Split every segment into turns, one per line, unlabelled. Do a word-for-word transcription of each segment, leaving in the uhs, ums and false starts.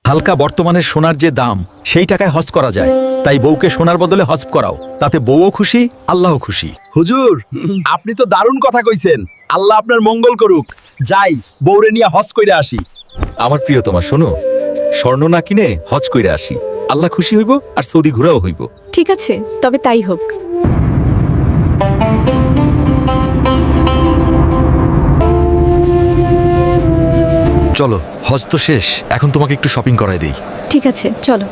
হালকা বর্তমানে সোনার যে দাম সেই টাকায় হজ করা যায়, তাই বউকে সোনার বদলে হজ করাও, তাতে বউও খুশি, আল্লাহও খুশি।
হুজুর, আপনি তো দারুণ কথা কইছেন। আল্লাহ আপনার মঙ্গল করুক। যাই, বউরে নিয়ে হজ কইরা আসি।
আমার প্রিয়তমা শোনো, স্বর্ণ না কিনে হজ কইরা আসি, আল্লাহ খুশি হইব আর সৌদি ঘোরাও হইব।
ঠিক আছে, তবে তাই হোক।
চলো, হজ তো শেষ, এখন তোমাকে একটু শপিং করাই দেই।
ঠিক আছে, চলো।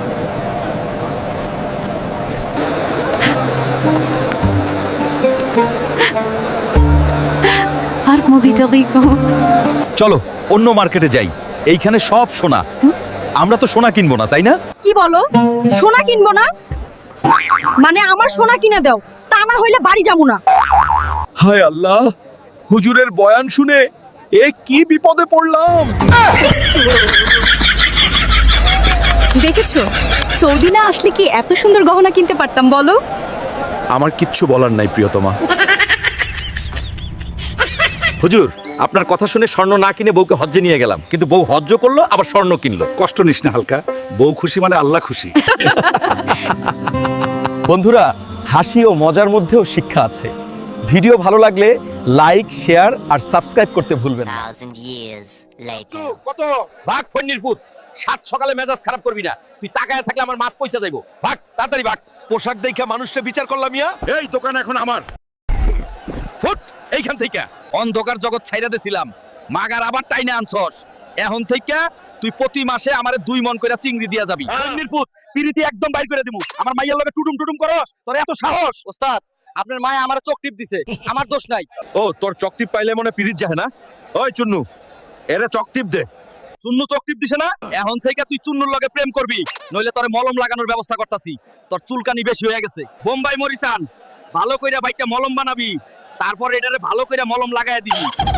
আর মুভিটা দেখো।
চলো অন্য মার্কেটে যাই, এইখানে সব সোনা। আমরা তো সোনা কিনবো না, তাই না?
কি বলো? সোনা কিনবো না? মানে আমার সোনা কিনে দাও, তা না হইলে বাড়ি যাবো না।
হায় আল্লাহ, হুজুরের বয়ান শুনে এ কি বিপদে পড়লাম।
দেখেছো, সৌদি না আসলে কি এত সুন্দর গহনা কিনতে পারতাম বলো?
আমার কিচ্ছু বলার নাই প্রিয়তমা।
হুজুর, আপনার কথা শুনে স্বর্ণ না কিনে বউকে হজ্জে নিয়ে গেলাম, কিন্তু বউ হজ্জ করলো আবার স্বর্ণ কিনলো।
কষ্ট নিস না হালকা, বউ খুশি মানে আল্লাহ খুশি।
বন্ধুরা, হাসি ও মজার মধ্যেও শিক্ষা আছে। ভিডিও ভালো লাগলে লাইক, শেয়ার আর সাবস্ক্রাইব করতে ভুলবেন না।
thousand years later.
কত
ভাগ ফন্নির পুত, সাত সকালে মেজাজ খারাপ করবি না। তুই তাকায় থাকলে আমার মাছ পয়সা যাইবো। ভাগ তাড়াতাড়ি ভাগ।
পোশাক দেখা মানুষটা বিচার করলাম ইয়া।
এই দোকান এখন আমার।
ফুট এইখান থেকে। অন্ধকার জগৎ ছাইরা দিছিলাম, মাগার আবার টাইনে আনছস। এখন থেকে তুই প্রতি মাসে আমারে দুই মন কইরা চিংড়ি দিয়া যাবি। নির্পুত পিরিতি একদম বাইর করে দিমু। আমার মাইয়ার লগে টুটুম টুটুম করস, তোর এত সাহস?
ওস্তাদ, আপনার মায়ে আমার চোখ টিপ দিছে, আমার দোষ নাই।
ও, তোর চকটিপ পাইলে মনে পিরিত যায় না? ওই চুন্নু, এরে চকটিপ দে। চুন্নু চকটিপ দিছে না? এখন থেকে তুই চুন্নুর লগে প্রেম করবি, নইলে তোরে মলম লাগানোর ব্যবস্থা করতাছি। তোর চুলকানি বেশি হয়ে গেছে। বোম্বাই মরিসান ভালো কইরা বাইটা মলম বানাবি, তারপর এটারে ভালো কইরা মলম লাগায় দিবি।